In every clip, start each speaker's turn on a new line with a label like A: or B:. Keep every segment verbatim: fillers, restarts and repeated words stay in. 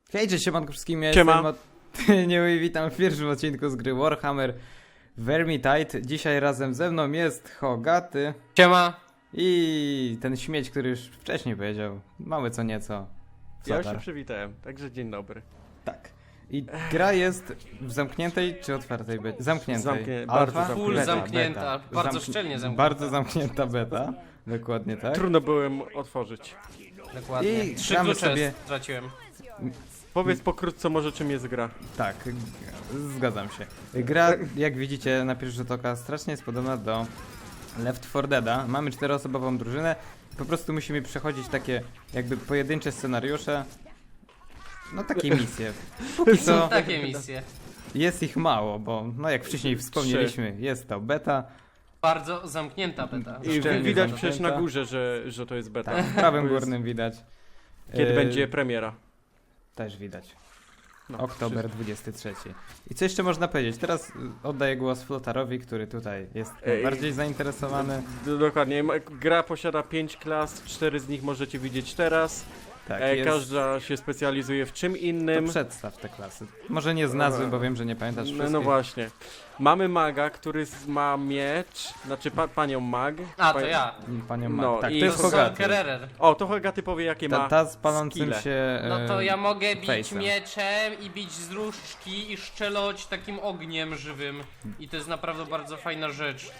A: Hej, cześć, siemanko wszystkim, ja
B: Siema.
A: jestem Matynio i witam w pierwszym odcinku z gry Warhammer Vermintide. Dzisiaj razem ze mną jest Hogaty
C: Siema.
A: i ten śmieć, który już wcześniej powiedział, mały co nieco.
B: Ja już
A: Flotar.
B: się przywitałem, także dzień dobry.
A: Tak. I gra jest w zamkniętej czy otwartej becie? Zamkniętej.
B: Zamknie-
A: Alfa?
B: bardzo zamknięta.
C: Full
A: Beta,
C: zamknięta,
A: beta.
C: bardzo
A: Zamknie-
C: szczelnie zamknięta.
A: Bardzo zamknięta beta, dokładnie tak.
B: Trudno byłem otworzyć.
C: Dokładnie.
A: I
C: Trzy
A: gramy
C: klucze
A: sobie-
C: straciłem.
B: Powiedz pokrótce może czym jest gra.
A: Tak, g- zgadzam się. Gra, jak widzicie na pierwszy rzut oka, strasznie jest podobna do Left four Deada. Mamy czteroosobową drużynę. Po prostu musimy przechodzić takie jakby pojedyncze scenariusze. No takie misje. Póki co
C: Takie misje.
A: jest ich mało, bo no jak wcześniej wspomnieliśmy, jest to beta.
C: Bardzo zamknięta beta.
B: I
A: Szczelnie
B: widać
A: zamknięta.
B: przecież na górze, że, że to jest beta.
A: W prawym
B: To jest-
A: górnym widać.
B: Kiedy
A: E,
B: będzie premiera.
A: Też widać.
B: No,
A: Oktober dwudziesty trzeci. I co jeszcze można powiedzieć? Teraz y, oddaję głos Flotarowi, który tutaj jest
B: Ej.
A: najbardziej zainteresowany.
B: D- Dokładnie. Ma- Gra posiada pięć klas, cztery z nich możecie widzieć teraz.
A: Tak,
B: E,
A: jest...
B: Każda się specjalizuje w czym
A: To
B: innym.
A: przedstaw te klasy. Może nie z nazwy, bo wiem, że nie pamiętasz
B: No,
A: wszystkich.
B: no właśnie. Mamy maga, który z- ma miecz, znaczy pa, panią mag.
C: A, to
B: Pa-
C: ja.
A: Panią
B: No,
A: Ma. Tak,
B: i
A: to jest
B: to
C: To
A: Hogaty.
C: Kererer.
B: O, to Hogaty powie jakie
A: Ta,
B: ma
A: ta z palącym
B: skille.
A: się
C: No to
A: e,
C: ja mogę bić
A: face'em.
C: mieczem i bić z różdżki i szczeloć takim ogniem żywym. I to jest naprawdę bardzo fajna rzecz.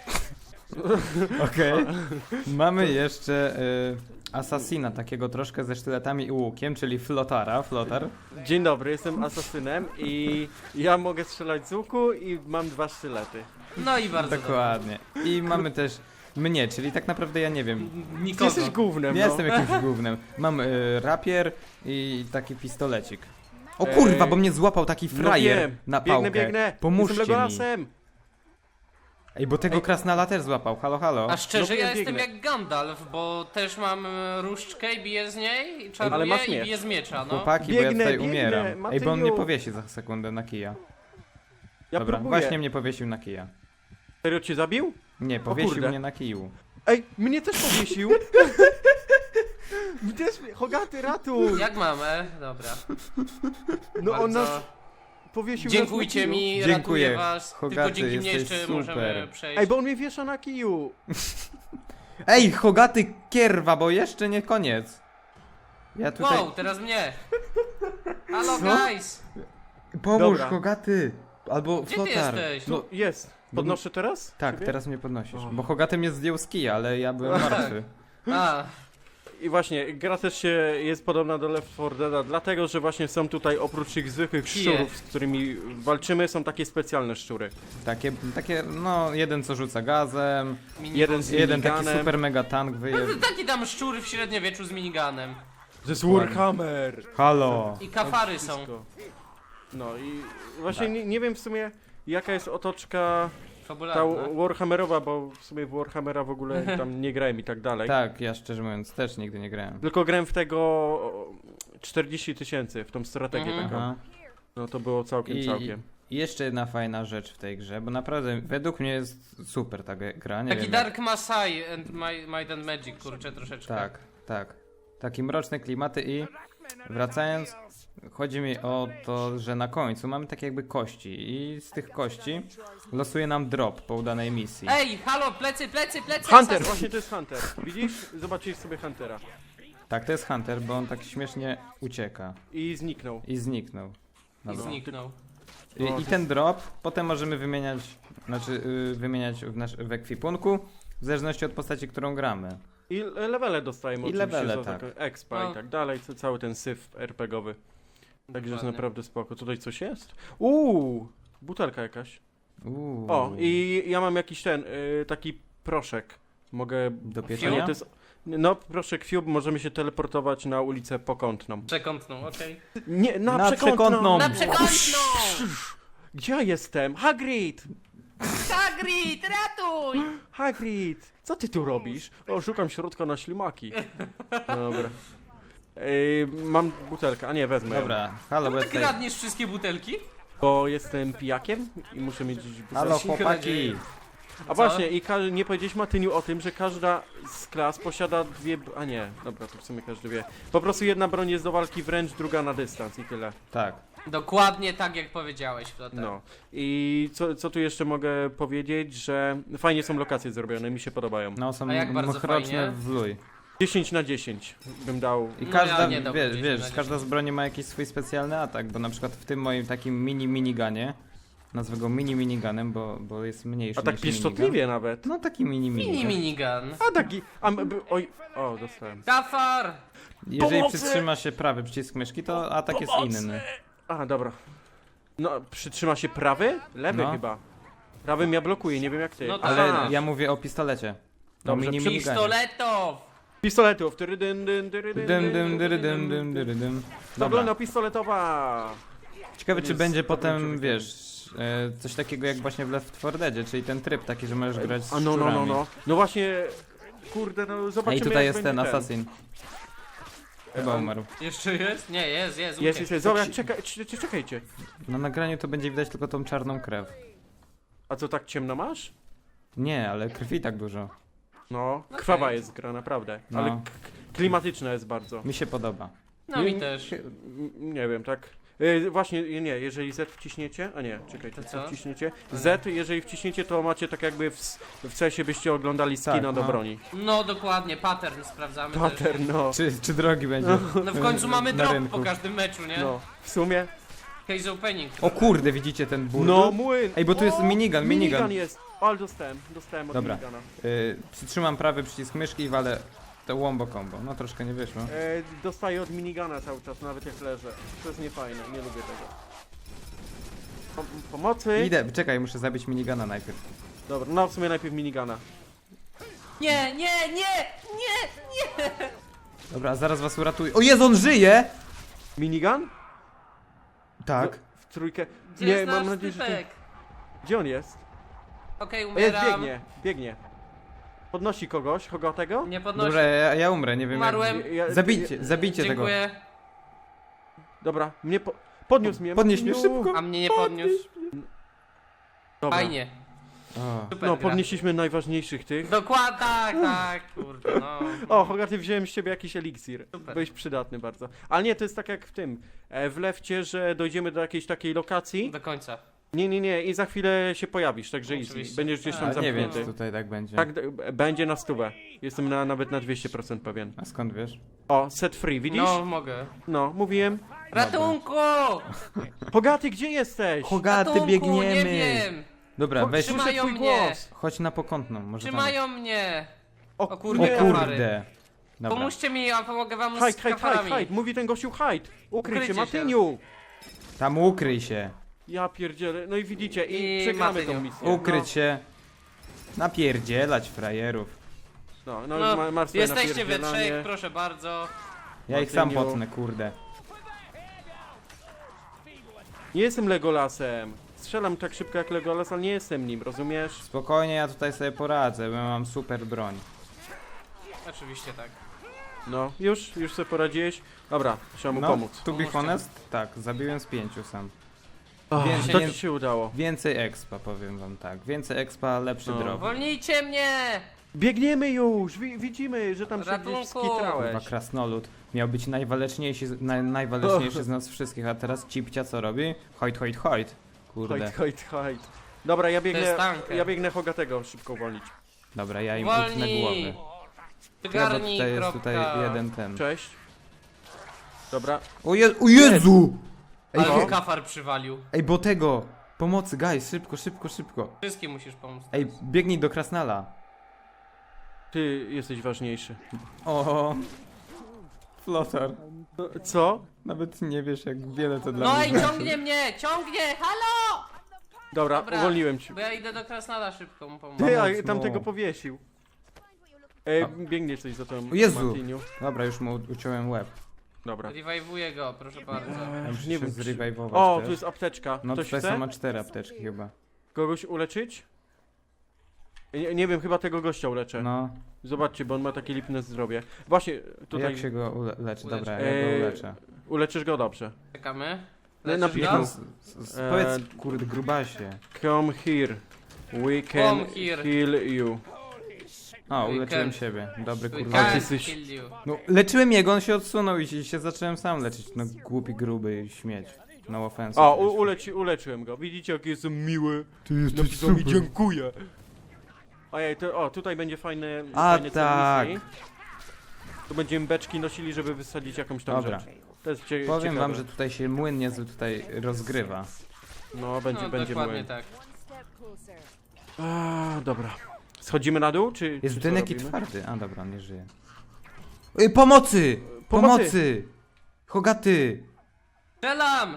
A: Okej. Mamy jeszcze e, Assassina, takiego troszkę ze sztyletami i łukiem, czyli Flotara. Flotar.
B: Dzień dobry, jestem asasynem i ja mogę strzelać z łuku i mam dwa sztylety.
C: No i bardzo
A: Dokładnie. I mamy też mnie, czyli tak naprawdę ja nie wiem.
C: dobrze.
B: Ty
C: Nikogo.
B: jesteś głównym,
A: Nie
B: no.
A: jestem jakimś głównym. Mam e, rapier i taki pistolecik. O
B: Ej.
A: kurwa, bo mnie złapał taki
B: No
A: frajer
B: wiem.
A: na pałkę.
B: Biegnę, biegnę.
A: Pomóżcie
B: jestem
A: mi.
B: Legolasem.
A: Ej, bo tego
B: Ej.
A: krasnala też złapał. Halo, halo.
C: A szczerze,
B: No,
C: ja
B: ja
C: jestem
B: biegnę.
C: jak Gandalf, bo też mam e, różdżkę i biję z niej, i
B: Ale
C: czaruję
B: masz
C: i
B: miecz.
C: biję z miecza, no.
A: Chłopaki, bo ja
B: Biegnę,
A: tutaj
B: biegnę,
A: umieram. Ej, bo on mnie
B: Matyniu.
A: powiesi za sekundę na kija.
B: Ja
A: Dobra,
B: próbuję.
A: właśnie mnie powiesił na kija.
B: Serio cię zabił?
A: Nie, powiesił
B: kurde.
A: mnie na kiju.
B: Ej, mnie też powiesił. Mnie też, Hogaty, ratuj.
C: Jak mamy? Dobra.
B: No on
C: Bardzo-
B: nas powiesił
C: Dziękujcie
B: nas na kiju.
C: mi,
A: Dziękuję.
C: ratuję was.
A: Hogaty,
C: Tylko dzięki mnie
A: jesteś
C: jeszcze
A: super.
C: możemy przejść.
B: Ej, bo on mnie wiesza na kiju.
A: Ej, Hogaty kierwa, bo jeszcze nie koniec. Ja tutaj...
C: Wow, teraz mnie. Halo,
A: Co?
C: guys.
A: Pomóż,
B: Dobra.
A: Hogaty! Albo
C: Gdzie ty
A: Flotar.
C: jesteś?
A: No,
B: Tu jest. Podnoszę teraz?
A: tak,
B: Ciebie?
A: teraz mnie podnosisz.
B: O.
A: Bo Hogaty mnie zdjął z kija, ale ja byłem
C: Tak.
A: martwy.
C: A,
B: I właśnie, gra też się jest podobna do Left four Deada, dlatego że właśnie są tutaj oprócz tych zwykłych
C: Kije.
B: szczurów, z którymi walczymy, są takie specjalne szczury.
A: Takie, takie, no, jeden co rzuca gazem,
C: mini
B: Jeden z
A: jeden taki
B: miniganem.
A: super mega tank wyje...
C: Taki tam szczury w średniowieczu z miniganem.
B: To jest Warhammer!
A: Halo!
C: I kafary są.
B: Wszystko. No i właśnie
A: Tak.
B: nie, nie wiem w sumie jaka jest otoczka ta
C: Fabularne.
B: Warhammerowa, bo w sumie w Warhammera w ogóle tam nie grałem i tak dalej.
A: Tak, ja szczerze mówiąc też nigdy nie grałem.
B: Tylko grałem w tego czterdzieści tysięcy, w tą strategię
C: Mhm.
B: taką.
A: Aha.
B: No to było całkiem,
A: I,
B: całkiem.
A: I jeszcze jedna fajna rzecz w tej grze, bo naprawdę według mnie jest super ta ge- gra, nie
C: Taki
A: wiem.
C: Dark Masai and My, Might and Magic, kurczę, troszeczkę.
A: Tak, tak. Takie mroczne klimaty i wracając, chodzi mi o to, że na końcu mamy takie jakby kości i z tych kości losuje nam drop po udanej misji.
C: Ej, halo, plecy, plecy, plecy!
B: Hunter!
C: asas-
B: Właśnie to jest Hunter. Widzisz? Zobaczysz sobie Huntera.
A: Tak, to jest Hunter, bo on tak śmiesznie ucieka
B: I zniknął.
A: i zniknął.
C: I
A: Dobra.
C: zniknął.
A: I, I ten drop potem możemy wymieniać, znaczy yy, wymieniać w, nasz, w ekwipunku, w zależności od postaci, którą gramy.
B: I le- levele dostajemy
A: I
B: oczywiście
A: levele,
B: za
A: tak.
B: taką expa
C: No.
B: i tak dalej, co- cały ten syf RPGowy. Także jest
C: Dokładnie.
B: naprawdę spoko. Tutaj coś jest? Uuu, butelka jakaś.
A: Uuu.
B: O, i ja mam jakiś ten, y, taki proszek. Mogę...
A: Do
B: Nie,
A: pieczenia?
B: to jest... No, proszek Cube, możemy się teleportować na ulicę Pokątną.
C: Przekątną, okej.
B: Nie, na,
A: Na
B: przekątną!
A: przekątną.
C: Na przekątną!
B: Gdzie ja jestem? Hagrid!
C: Hagrid, ratuj!
B: Hagrid! Co ty tu robisz? O, szukam środka na ślimaki. Dobra. Ej, mam butelkę, a nie, wezmę ją.
A: Dobra, halo, bo ja
C: Tak
A: tutaj...
C: radniesz wszystkie butelki?
B: Bo jestem pijakiem i muszę mieć gdzieś butelkę.
A: Halo
C: Się
A: chłopaki!
C: nadzieję.
B: A
C: Co?
B: właśnie, i ka- nie powiedziałeś Matyniu o tym, że każda z klas posiada dwie... b- A nie, dobra, to w sumie każdy wie. Po prostu jedna broń jest do walki wręcz, druga na dystans i tyle.
A: Tak.
C: Dokładnie tak jak powiedziałeś, Flotar.
B: No. I co, co tu jeszcze mogę powiedzieć, że fajnie są lokacje zrobione, mi się podobają.
A: No są
C: A jak bardzo
A: mroczne
C: fajnie?
A: w luj.
B: dziesięć na dziesięć bym dał.
A: I
C: No
A: każda,
C: ja nie dałbym
A: wiesz,
C: dziesięć
A: wiesz,
C: na
A: każda z
C: dziesięć.
A: broni ma jakiś swój specjalny atak, bo na przykład w tym moim takim mini miniganie, nazwę go mini miniganem, bo, bo jest mniejszy
B: A tak
A: niż minigun.
B: pieszczotliwie nawet.
A: No taki mini
C: Mini
A: minigun.
C: minigun.
B: A taki... A, m- b- oj... O, dostałem.
C: Kafar!
A: Jeżeli
B: Pomocy!
A: przytrzyma się prawy przycisk myszki, to atak jest inny.
B: A, dobra. No, przytrzyma się prawy? Lewy
A: No.
B: chyba. Prawym ja blokuję, nie wiem jak ty.
C: No tak.
A: Ale
C: Aha.
A: ja mówię o pistolecie. O
B: Dobrze,
A: mini
B: przy
A: miniganie.
C: Pistoletów!
B: Pistoletów. Tyrydyn, dyn, tyrydyn,
A: Dym,
B: dyn,
A: dym, dyry, dym, dym, dyry, dym.
B: Zabrona
A: Dobra.
B: pistoletowa.
A: Ciekawe,
B: To
A: czy
B: jest
A: będzie
B: dobrym
A: potem,
B: człowiekiem.
A: wiesz, e, coś takiego jak właśnie w Left four Deadzie, czyli ten tryb taki, że możesz grać z
B: A no, no, no,
A: szczurami.
B: no. No właśnie, kurde, no zobaczymy.
A: Ej, tutaj
B: jak
A: jest
B: będzie
A: ten assassin. Chyba
B: on-
A: umarł.
C: Jeszcze jest? Nie, jest, jest.
B: Jest,
C: uciekł.
B: jest, jest. Zobacz, czekaj, c- c- czekajcie.
A: Na nagraniu to będzie widać tylko tą czarną krew.
B: A co, tak ciemno masz?
A: Nie, ale krwi tak dużo.
B: No,
C: Okej.
B: krwawa jest gra, naprawdę.
A: No.
B: Ale k- klimatyczna jest bardzo.
A: Mi się podoba.
C: No mi
B: Nie-
C: też.
B: M- Nie wiem, tak. E, właśnie, nie, jeżeli Z wciśniecie, a nie, czekajcie,
C: To
B: co
C: co?
B: wciśniecie?
C: To nie.
B: Z, jeżeli wciśniecie, to macie tak jakby w, s- w cesie byście oglądali skina
A: Tak,
B: do
A: no.
B: broni.
C: No dokładnie, pattern sprawdzamy też.
B: Pattern, no.
A: Czy, czy drogi będzie?
C: No w końcu mamy
A: Na
C: drop
A: rynku.
C: po każdym meczu, nie?
B: No, w sumie.
C: Case opening.
A: O kurde, widzicie ten burdel?
B: No, młyn!
A: Ej, bo tu jest
B: O,
A: minigun,
B: Minigun
A: minigun.
B: jest! O, ale dostałem, dostałem od
A: Dobra.
B: minigana.
A: Y, przytrzymam prawy przycisk myszki i walę to wombo combo. No troszkę nie wyszło.
B: E, dostaję od minigana cały czas, nawet jak leżę. To jest niefajne, nie lubię tego. Pom pomocy!
A: Idę, czekaj, muszę zabić minigana najpierw.
B: Dobra, no w sumie najpierw minigana.
C: Nie, nie, nie, nie!
A: Dobra, zaraz was uratuję. O Jezu, on żyje!
B: Minigun?
A: Tak.
B: W, w trójkę.
C: Gdzie
B: nie,
C: jest
B: mam
C: nasz
B: nadzieję, że ty...
C: typek?
B: Gdzie on jest?
C: Okej,
B: O, jest,
C: umieram.
B: biegnie, biegnie. Podnosi kogoś, kogo
C: Nie podnosi.
A: Dobra, ja, ja umrę, nie wiem
C: Umarłem.
A: jak...
B: Ja-
A: Zabijcie, zabijcie tego.
C: Dziękuję.
B: Dobra, mnie po... podniósł mnie.
A: Podnieś mnie
B: Martiniu.
A: szybko.
C: A mnie nie podniósł.
B: Dobra.
C: Fajnie.
A: O.
C: Super
B: No,
C: gra.
B: podnieśliśmy najważniejszych tych.
C: Dokładnie, tak, tak, kurde, no.
B: O, Hogarty, wziąłem z ciebie jakiś eliksir.
C: Super.
B: Byłeś przydatny bardzo. Ale nie, to jest tak jak w tym, e, w Lefcie, że dojdziemy do jakiejś takiej lokacji.
C: Do końca.
B: Nie, nie, nie, i za chwilę się pojawisz, także easy.
C: Oczywiście.
B: Będziesz gdzieś tam
A: Ale nie wiem,
B: zamknięty.
A: czy tutaj tak będzie.
B: Tak, d- będzie na stówę. Jestem na, nawet na dwieście procent pewien.
A: A skąd wiesz?
B: O, set free, widzisz?
C: No, mogę.
B: No, mówiłem.
C: Ratunku!
B: Hogaty, gdzie jesteś?
A: Hogaty,
C: Ratunku,
A: biegniemy!
C: nie wiem.
A: Dobra,
B: Ho-
A: weź,
B: słyszę
C: Trzymają
B: twój
C: mnie.
B: głos.
A: chodź na pokątną, może tam.
C: Trzymają mnie.
B: O,
C: O
A: O
C: kurde,
B: nie.
C: kurde.
A: kurde! Dobra.
C: Pomóżcie mi, a pomogę wam
B: Hide,
C: z
B: hide, hide,
C: kafarami.
B: hide. Mówi ten gościu hide. Ukryj się,
C: Ukryjcie się.
B: Matyniu.
A: Tam ukryj się!
B: Ja pierdzielę. No i widzicie, i,
C: I
B: przegramy
C: Matyniu.
B: tą misję.
A: Ukryć się! Napierdzielać frajerów.
B: No, no, no,
C: No,
B: ma- martwe
C: jesteście we
B: napierdzielanie.
C: trzech, proszę bardzo.
A: Ja ich sam
B: Matyniu.
A: potnę, kurde.
B: Nie jestem Legolasem. Strzelam tak szybko jak Legolas, ale nie jestem nim, rozumiesz?
A: Spokojnie, ja tutaj sobie poradzę, bo ja mam super broń.
C: Oczywiście tak.
B: No, już, już sobie poradziłeś. Dobra, trzeba mu
A: No,
B: pomóc.
A: to be
C: Pomóżcie.
A: honest, tak, zabiłem z pięciu sam.
B: Oh,
A: Więcej
B: to
A: nie-
B: ci się udało.
A: Więcej expa, powiem wam tak. Więcej expa, lepszy
B: No.
A: drop.
C: Wolnijcie mnie!
B: Biegniemy już! Wi widzimy, że tam się
C: Ratunku!
B: gdzieś skitrałeś.
A: Chyba krasnolud miał być najwaleczniejszy, z- naj, najwaleczniejszy z nas wszystkich, a teraz Cipcia co robi? Hojt, hojt, hojt. Kurde.
B: Hojt, hojt, hojt. Dobra, ja biegnę,
C: jest tanker.
B: ja biegnę Hogatego szybko uwolnić.
A: Dobra, ja im utnę
C: Wolni!
A: głowy. Ja, bo
C: Wygarnij,
A: tutaj jest
C: kropka.
A: tutaj jeden ten.
B: Cześć. Dobra,
A: O, Je o Jezu! Ej,
C: Ale
A: he-
C: mu kafar przywalił.
A: ej, bo tego! Pomocy, guys, szybko, szybko, szybko.
C: Wszystkim musisz pomóc.
A: Ej, biegnij do Krasnala.
B: ty jesteś ważniejszy.
A: O, Flotar.
B: No, co?
A: Nawet nie wiesz, jak wiele to dla
C: No
A: mnie
C: i
A: znaczy.
C: ciągnie mnie! Ciągnie! Halo!
B: Dobra,
C: Dobra.
B: uwolniłem cię.
C: Bo ja idę do Krasnala szybko mu pomóc.
B: Ty,
A: Pomóc
B: a
A: mu.
B: tamtego powiesił. E,
A: A.
B: biegnie coś za tą
A: O Jezu.
B: Martiniu.
A: Dobra, już mu uciąłem łeb.
B: Dobra.
C: Rewajwuję go, proszę bardzo.
A: Ja muszę
B: nie
A: się
B: wiem, czy-
A: zrewajwować
B: O,
A: też.
B: tu jest apteczka.
A: No
B: Ktoś
A: tutaj
B: chce?
A: są ma cztery apteczki chyba.
B: Kogoś uleczyć? Nie, nie wiem, chyba tego gościa uleczę.
A: No,
B: Zobaczcie, bo on ma takie lipne zdrowie. Właśnie, tutaj
A: jak się go ule leczy?
C: Ulecz.
A: Dobra, ja go
B: Eee,
A: uleczę.
B: uleczysz go dobrze.
C: Czekamy.
B: No,
C: Leczysz
B: napisz
C: go?
B: mu.
A: No, s- s-
B: Eee,
A: powiedz, kurde, grubasie.
B: Come here. We can
C: Come here.
B: heal you.
A: O,
C: We
A: uleczyłem
C: can-
A: siebie. Dobry
C: We
A: kurwa.
B: Ale ty
C: can't
B: jesteś-
C: kill you.
A: No, leczyłem jego, on się odsunął i się, się zacząłem sam leczyć. No głupi, gruby śmieć. No offense.
B: O, u, uleci, uleczyłem go. Widzicie, jaki jestem miły.
A: Ty
B: Napisał mi dziękuję. Ojej, to, o, tutaj będzie fajne,
A: A,
B: fajny cel
A: tak.
B: misji. Tu będziemy beczki nosili, żeby wysadzić jakąś tam
A: Dobra.
B: rzecz. To jest cie,
A: Powiem
B: ciekawe.
A: wam, że tutaj się młyn niezły tutaj rozgrywa.
B: No, będzie,
C: No,
B: będzie
C: dokładnie
B: młyn.
C: tak.
B: A, dobra. Schodzimy na dół, czy
A: Jest
B: czy co
A: dynek i
B: robimy?
A: twardy. A dobra, on nie żyje. Ej, pomocy!
B: Pomocy!
A: Pomocy! Hogaty!
C: Strzelam!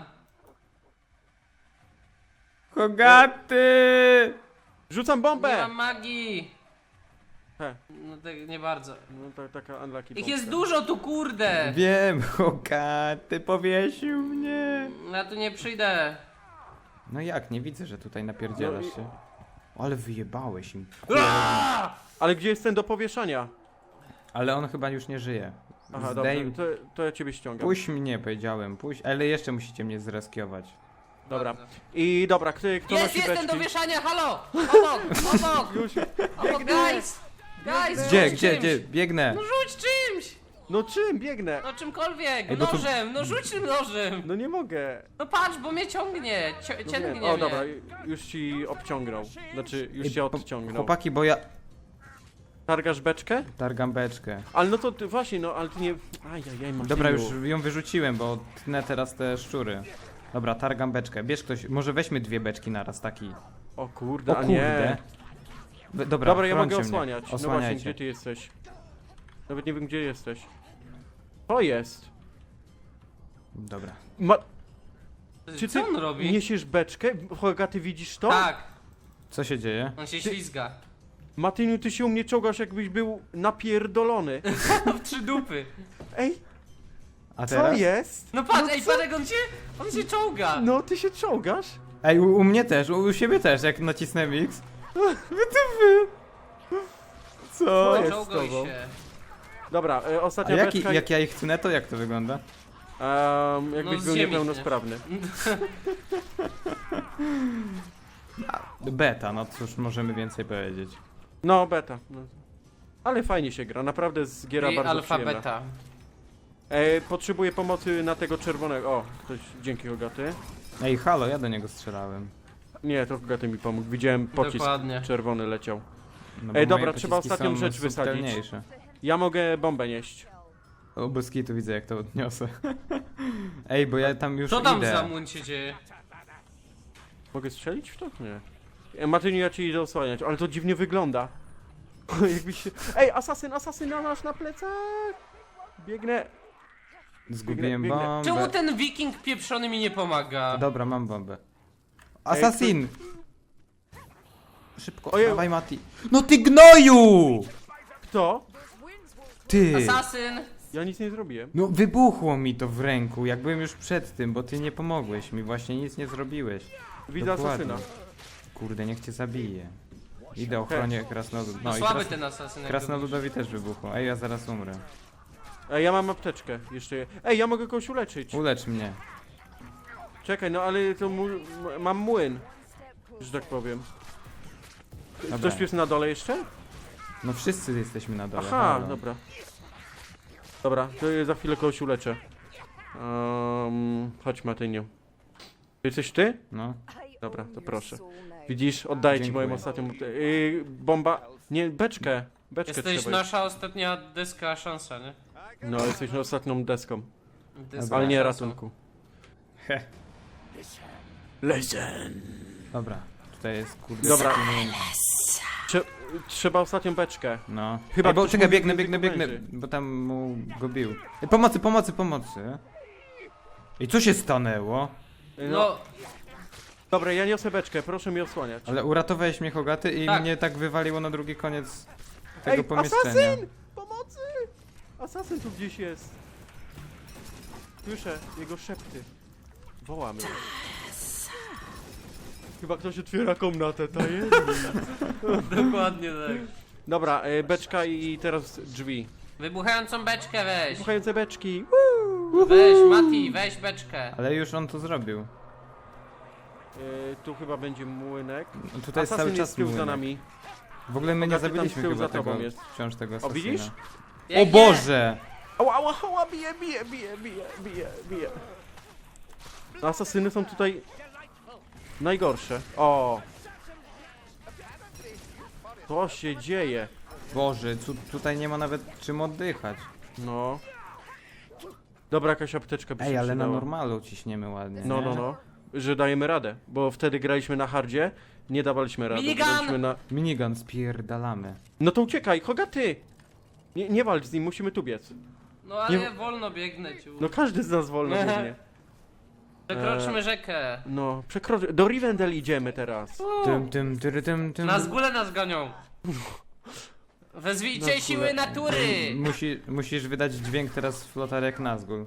A: Hogaty!
B: Rzucam
C: Nie
B: bombę!
C: mam magii!
B: He.
C: No tak, nie bardzo.
B: No tak, taka unlucky
C: Ich
B: bombka.
C: jest dużo tu, kurde!
A: Wiem, Hogaty powiesił mnie.
C: Ja tu nie przyjdę.
A: No jak, nie widzę, że tutaj napierdzielasz
B: No i-
A: się. Ale wyjebałeś im.
B: Ale gdzie jest ten do powieszania?
A: Ale on chyba już nie żyje.
B: Aha, dobra,
A: Zdejm...
B: to, to ja ciebie ściągam.
A: Puść mnie, powiedziałem, puść, ale jeszcze musicie mnie zreskiować.
B: Dobra.
C: Bardzo.
B: I dobra, kto, kto
C: Jest,
B: nosi
C: jest ten
B: beczki?
C: do wieszania, halo! Obok, obok!
B: Już.
C: Obok, guys! Guys,
A: Gdzie,
C: rzuć
A: gdzie,
C: czymś.
A: gdzie? Biegnę.
C: No rzuć czymś!
B: No czym? Biegnę.
C: No czymkolwiek,
A: Ej, bo tu-
C: nożem, no rzuć tym nożem!
B: No nie mogę.
C: No patrz, bo mnie ciągnie, cio
B: No
C: ciągnie
B: wiem.
C: mnie.
B: O, dobra, już ci obciągnął. Znaczy, już
A: Ej,
B: cię
A: po-
B: odciągnął.
A: Chłopaki, bo ja
B: Targasz beczkę?
A: targam beczkę.
B: Ale no to ty, właśnie, no, ale ty nie... Ajajaj, Martyniu.
A: Dobra, już ją wyrzuciłem, bo tnę teraz te szczury. Dobra, targam beczkę. Bierz ktoś, może weźmy dwie beczki naraz, taki.
B: O kurde,
A: O
B: a
A: kurde.
B: nie.
A: We- Dobra,
B: Dobra, ja mogę
A: chrońcie mnie.
B: osłaniać. No właśnie,
A: Osłaniajcie.
B: gdzie ty jesteś? Nawet nie wiem, gdzie jesteś. To jest.
A: Dobra.
B: Ma... Czy
C: Co
B: ty
C: on robi?
B: niesiesz beczkę? Hoga, ty widzisz to?
C: Tak,
A: Co się dzieje?
C: on się
B: Ty-
C: ślizga.
B: Matyniu, ty się u mnie czołgasz, jakbyś był napierdolony.
C: W trzy dupy.
B: Ej,
A: A
B: co
A: teraz?
B: jest?
C: No patrz,
B: No
C: ej,
B: co?
C: patrz jak on się, on się czołga.
B: No, ty się czołgasz?
A: Ej, u, u mnie też, u, u siebie też, jak nacisnę X. Wy to wy. Co?
B: Co jest z
C: Czołgaj
B: tobą?
C: się.
B: Dobra, e,
A: A
B: ostatnia
A: jaki,
B: beczka...
A: jak ja ich tnę, to jak to wygląda?
B: Um, jakbyś
C: No, z
B: był
C: ziemi
B: niepełnosprawny.
A: Beta, no cóż, możemy więcej powiedzieć.
B: No, beta. No. Ale fajnie się gra, naprawdę z giera
C: I
B: bardzo
C: alfa,
B: przyjemna.
C: beta.
B: E, potrzebuję pomocy na tego czerwonego. O, ktoś, dzięki Hogaty.
A: Ej, halo, ja do niego strzelałem.
B: Nie, to Hogaty mi pomógł. Widziałem pocisk
C: Dokładnie.
B: czerwony leciał.
A: No, bo
B: Ej,
A: moje
B: dobra, trzeba
A: pociski
B: ostatnią
A: są
B: rzecz wysadzić.
A: subtelniejsze.
B: Ja mogę bombę nieść.
A: O, bez kitu widzę, jak to odniosę. Ej, bo ja tam już
C: Co tam
A: idę.
C: za młyn się dzieje?
B: Mogę strzelić w to? Nie. E, Matyniu, ja ci idę osłaniać, ale to dziwnie wygląda. Jakbyś się... Ej, asasyn, asasyn na nasz na plecach! Biegnę.
A: Zgubiłem
B: Biegnę, biegnę.
A: bombę.
C: Czemu ten wiking pieprzony mi nie pomaga?
A: Dobra, mam bombę. Assassin! Szybko,
B: Ojej.
A: dawaj Mati. No ty gnoju!
B: Kto?
A: Ty!
C: Asasyn!
B: Ja nic nie zrobiłem.
A: No wybuchło mi to w ręku, jak byłem już przed tym, bo ty nie pomogłeś mi, właśnie nic nie zrobiłeś.
B: Widzę
A: Dokładnie.
B: asasyna.
A: Kurde, niech cię zabije. Idę ochronię krasnolud.
C: No
A: No i
C: słaby
A: kras...
C: ten asasyn. jak
A: krasnoludowi też wybuchło. Ej, ja zaraz umrę.
B: Ej, ja mam apteczkę. Jeszcze je... Ej, ja mogę kogoś uleczyć.
A: Ulecz mnie.
B: Czekaj, no ale to mu... m- mam młyn. Że tak powiem.
A: Dobra.
B: Ktoś tu jest na dole jeszcze?
A: No wszyscy jesteśmy na dole.
B: Aha,
A: halo.
B: dobra. Dobra, to ja za chwilę kogoś uleczę. Um, chodź Matyniu. To jesteś ty?
A: No.
B: Dobra, to proszę. Widzisz, oddaję ci
A: Dziękuję.
B: moją ostatnią... Yy, bomba... Nie, beczkę. Beczkę
C: Jesteś
B: trzeba.
C: nasza ostatnia deska szansa, nie?
B: No, jesteś na ostatnią deską.
C: Deska
B: Ale nie
C: szansą.
B: ratunku.
A: He.
B: Listen.
A: Dobra, tutaj jest kurde.
B: Dobra.
A: taki młyn.
B: Trze trzeba ostatnią beczkę.
A: No.
B: Chyba
A: Chyba Ej, bo
B: ktoś
A: czekaj,
B: mówi
A: biegnę,
B: w
A: biegnę,
B: języku
A: biegnę,
B: mężczyzn.
A: bo tam mu go bił. Ej, pomocy, pomocy, pomocy. I co się stanęło?
B: No,
C: No,
B: dobra, ja niosę beczkę, proszę mi osłaniać.
A: Ale uratowałeś mnie Hogaty i
C: Tak.
A: mnie tak wywaliło na drugi koniec tego
B: Ej,
A: pomieszczenia.
B: asasyn! Pomocy! Asasyn tu gdzieś jest. Słyszę jego szepty. Wołamy. Chyba ktoś otwiera komnatę tajemnic.
C: dokładnie tak.
B: Dobra, e, beczka i teraz drzwi.
C: Wybuchającą beczkę weź.
B: Słuchające beczki.
C: Weź, Mati, weź beczkę.
A: Ale już on to zrobił.
B: Yy, tu chyba będzie młynek.
A: No tutaj jest
B: Asasyn
A: cały
B: jest
A: czas
B: z tyłu za
A: młynek.
B: nami.
A: W ogóle my nie
B: Bogaty tam z
A: zabiliśmy
B: tyłu
A: chyba
B: za tobą
A: tego,
B: jest.
A: wciąż tego
B: O,
A: asasyna.
B: widzisz?
C: Jak
A: O
C: nie?
A: Boże!
B: Ała, ała, ała, bije, bije, bije, bije, bije, bije. No, asasyny są tutaj najgorsze. O! Co się dzieje?
A: Boże, tu, tutaj nie ma nawet czym oddychać.
B: No. Dobra, jakaś apteczka by
A: Ej,
B: się
A: ale na
B: przydała.
A: normalu ciśniemy ładnie.
B: No,
A: nie?
B: no, no. Że dajemy radę, bo wtedy graliśmy na hardzie, nie dawaliśmy rady.
C: Minigun!
B: graliśmy na...
A: Minigun spierdalamy.
B: No to uciekaj, Hogaty! Nie, nie walcz z nim, musimy tu biec.
C: No ale
B: Nie-
C: wolno biegnę ciu.
B: No każdy z nas wolno biegnie.
C: Przekroczmy rzekę.
B: No, przekroczy... Do Rivendell idziemy teraz.
A: Tym, tym, tyry, tym, tym.
C: Na zgóle nas gonią. Wezwijcie
B: Na
C: siły
B: zgóle.
C: natury!
A: Musi, musisz wydać dźwięk teraz flotar jak Nazgul.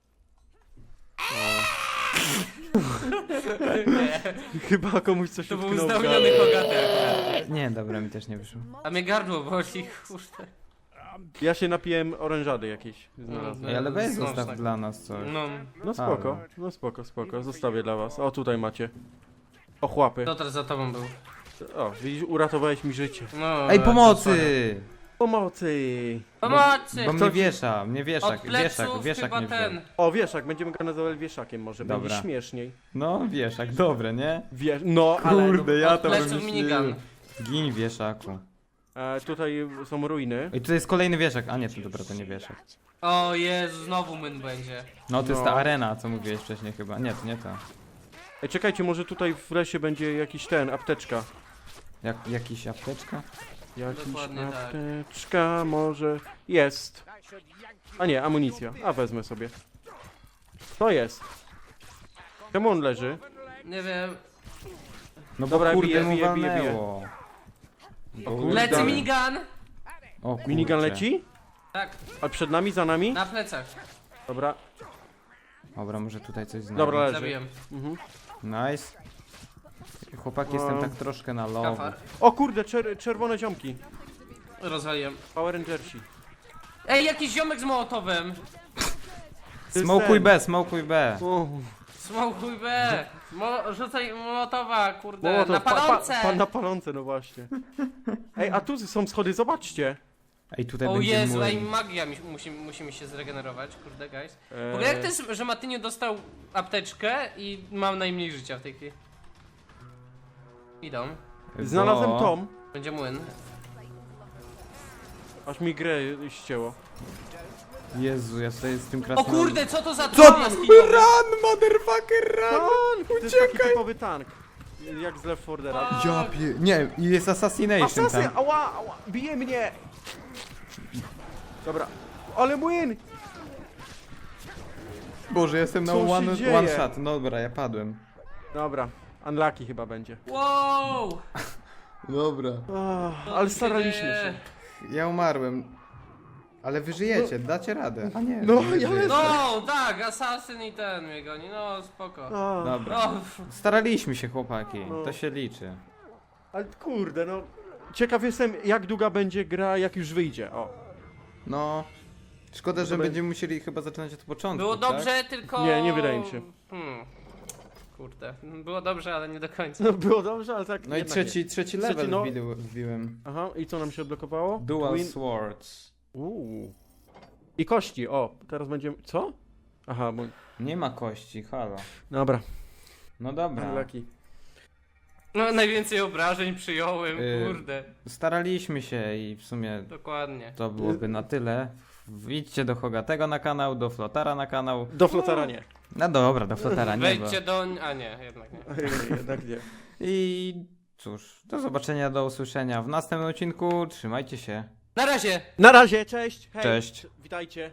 C: Nie,
B: Chyba komuś coś
C: to był
B: utknął w
C: znamieniony
B: gardle.
C: Hogaty.
A: Nie, dobra, mi też nie wyszło.
C: A mnie gardło boli, kurde.
B: Ja się napiłem orężady jakiejś. Znalazłem.
A: Ej, ale weź
C: Smaczne.
A: zostaw dla nas coś.
C: No,
B: No spoko,
A: Halo.
B: no spoko, spoko. Zostawię dla was. O, tutaj macie. Ochłapy.
C: Piotr za tobą był.
B: O, widzisz, uratowałeś mi życie.
C: No,
A: Ej,
C: to
A: pomocy!
B: Pomocy!
C: Pomocy!
A: Bo mnie wiesza, mnie
C: Od
A: wieszak,
C: pleców
A: wieszak, wieszak
C: chyba
A: mnie wziął.
C: ten.
B: O, wieszak, będziemy go nazywać wieszakiem może, będzie
A: Dobra.
B: śmieszniej.
A: No, wieszak, dobre, nie?
B: Wiesz, no, ale...
A: Kurde, ja
C: Od
A: to
C: pleców
A: wymyśliłem.
C: minigun.
A: Gin wieszaku.
B: E, tutaj są ruiny.
A: Ej, tutaj jest kolejny wieszak. A nie, to dobra, to nie wieszak.
C: O Jezu, znowu myn będzie.
A: No, to jest
B: No.
A: ta arena, co mówiłeś wcześniej chyba. Nie, to nie to.
B: Ej, czekajcie, może tutaj w lesie będzie jakiś ten, apteczka.
A: Jak, jakiś apteczka?
B: Jakiś
C: Dokładnie tak.
B: apteczka może... Jest. A nie, amunicja. A wezmę sobie. To jest. Czemu on leży?
C: Nie wiem.
A: No bo
B: Dobra,
A: kurde
B: bije,
A: mu
B: bije, bije, bije.
A: walnęło.
B: O kurde.
C: Lecę minigun!
A: O kurczę.
B: Minigun leci?
C: Tak,
B: A przed nami, za nami?
C: na plecach.
B: Dobra,
A: Dobra, może tutaj coś znajdę.
B: dobra, leży.
C: Zabiłem.
B: Mhm.
A: Nice. Chłopaki, jestem
B: No.
A: tak troszkę na low.
C: Kafar.
B: O kurde, czer czerwone ziomki.
C: Rozwaliłem.
B: Power Rangersi.
C: Ej, jakiś ziomek z mołotowem!
B: To jest
A: Smokuj
B: ten.
A: B, smokuj B.
B: O,
C: Smokuj B! Mo rzucaj mołotowa, kurde,
B: Mołotow,
C: na
B: pa- pa-
C: palące!
B: Pa, na palące, no właśnie. Ej, a tu są schody, zobaczcie.
A: Ej, tutaj
C: O
A: będzie
C: Jezu, ej,
A: młyn.
C: magia mi, musi, musimy się zregenerować, kurde, guys. W
B: Eee,
C: ogóle jak to jest, że Matyniu dostał apteczkę i mam najmniej życia w tej chwili? Idą.
B: Znalazłem
A: Bo-
B: tom,
C: Będzie młyn.
B: aż mi grę ścięło.
A: Jezu, ja tutaj z tym
C: O
A: krasnoludem.
C: kurde, co to za
A: Co?
C: tron jaskiniowy?
A: Run, motherfucker, run!
B: Tank! To jest taki typowy tank. Jak z Left four Dead'a.
C: A,
A: Ja pie... Nie, i jest assassination
B: Asasyn!
A: tam.
B: Ała, ała! Bije mnie! Dobra. Ale młyn!
A: Boże, jestem na
B: Co się
A: one,
B: dzieje?
A: one shot. No dobra, ja padłem.
B: Dobra. Unlucky chyba będzie.
C: Wow!
A: Dobra.
B: Ach,
C: Co
B: ale
C: tu się
B: staraliśmy
C: dzieje?
B: się.
A: Ja umarłem. Ale wy żyjecie, dacie radę. A nie,
B: No,
A: nie
B: ja
A: żyjecie.
B: lecę.
C: No, tak, asasyn i ten mnie goni, no spoko.
B: A,
A: Dobra.
C: No,
A: Staraliśmy się, chłopaki.
B: No.
A: To się liczy.
B: ale kurde, no. Ciekaw jestem, jak długa będzie gra, jak już wyjdzie. O.
A: No. Szkoda, że
B: Dobra.
A: będziemy musieli chyba zaczynać od początku.
C: było
A: tak?
C: dobrze, tylko...
B: Nie, nie wydaje mi się.
C: Hmm. Kurde, było dobrze, ale nie do końca.
B: No, było dobrze, ale tak.
A: No i
B: jednak
A: trzeci,
B: nie.
A: trzeci
B: Trzeci,
A: level
B: no.
A: wbił- wbiłem.
B: Aha, i co nam się odblokowało?
A: Dual
B: Twin-
A: swords.
B: Uuu. I kości, o. Teraz będziemy. Co? Aha, bo.
A: Nie ma kości, halo.
B: Dobra.
A: No dobra.
B: Unlucky.
C: No, najwięcej obrażeń przyjąłem,
A: Y-
C: kurde.
A: Staraliśmy się i w sumie
C: Dokładnie.
A: to byłoby na tyle. Wjdźcie do Hogatego na kanał, do Flotara na kanał.
B: Do flotara nie.
A: No dobra, do Flotara nie, bo...
C: Wejdźcie do... a nie, jednak nie.
B: Jednak nie.
A: I cóż, do zobaczenia, do usłyszenia w następnym odcinku. Trzymajcie się.
C: Na razie!
B: Na razie, cześć! Hej.
A: Cześć.
B: Witajcie.